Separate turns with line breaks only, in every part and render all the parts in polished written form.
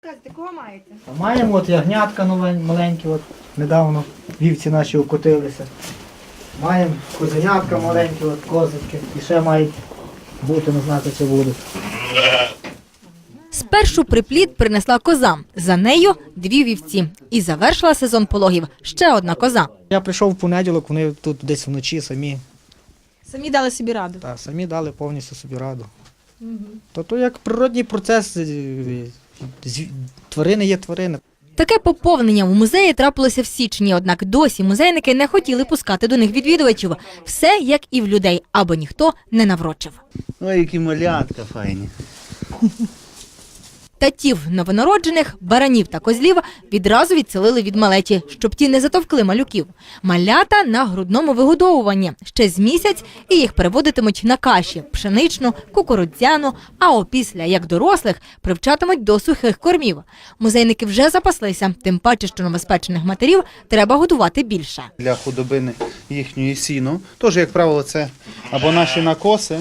Казати, кого маєте?
Маємо от ягнятка маленькі, от недавно вівці наші укотилися. Маємо козенятка маленькі, от козочки. І ще мають бути, не знати, чи будуть.
Спершу приплід принесла коза, за нею 2 вівці. І завершила сезон пологів ще одна коза.
Я прийшов в понеділок, вони тут десь вночі самі.
Самі дали собі раду.
Так, самі дали повністю собі раду. То як природній процес, тварини є тварини.
Таке поповнення у музеї трапилося в січні, однак досі музейники не хотіли пускати до них відвідувачів. Все як і в людей, аби ніхто не наврочив.
Ой, які малятка файні.
Татів новонароджених, баранів та козлів відразу відселили від малеті, щоб ті не затовкли малюків. Малята на грудному вигодовуванні. Ще з місяць і їх переводитимуть на каші – пшеничну, кукурудзяну, а опісля, як дорослих, привчатимуть до сухих кормів. Музейники вже запаслися, тим паче, що новоспечених матерів треба годувати більше.
Для худобини їхньої сіну, теж, як правило, це або наші накоси,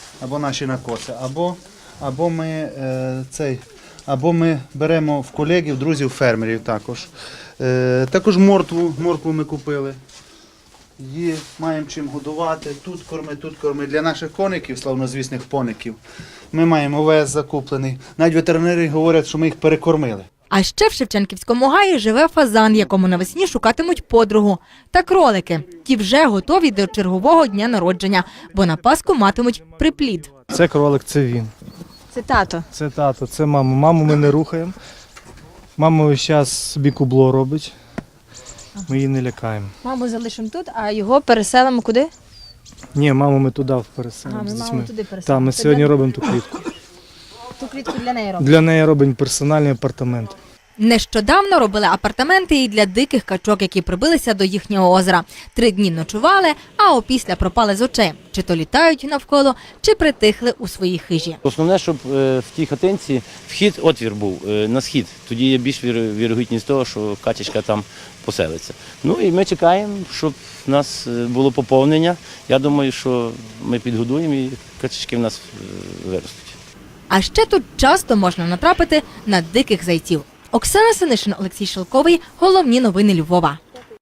або ми беремо в колегів, друзів, фермерів також. Також моркву ми купили. Її маємо чим годувати, тут корми. Для наших коників, славнозвісних поників, ми маємо овес закуплений. Навіть ветеринари говорять, що ми їх перекормили.
А ще в Шевченківському гаї живе фазан, якому навесні шукатимуть подругу. Та кролики. Ті вже готові до чергового дня народження, бо на Пасху матимуть приплід.
Це кролик, це він.
Це тато.
Це тато, це мама. Маму ми не рухаємо. Мама весь час собі кубло робить. Ми її не лякаємо.
Маму залишимо тут, а його переселимо куди?
Ні, маму ми туди переселимо
Ми
з
маму
дітьми.
туди переселимо.
Так, ми сьогодні робимо ту клітку.
Ту клітку для неї робимо.
Для неї робимо персональний апартамент.
Нещодавно робили апартаменти і для диких качок, які прибилися до їхнього озера. 3 дні ночували, а опісля пропали з очей. Чи то літають навколо, чи притихли у своїй хижі.
Основне, щоб в тій хатинці отвір був на схід. Тоді є більш вірогідність того, що качечка там поселиться. Ну і ми чекаємо, щоб в нас було поповнення. Я думаю, що ми підгодуємо і качечки в нас виростуть.
А ще тут часто можна натрапити на диких зайців. Оксана Синишин, Олексій Шелковий. Головні новини Львова.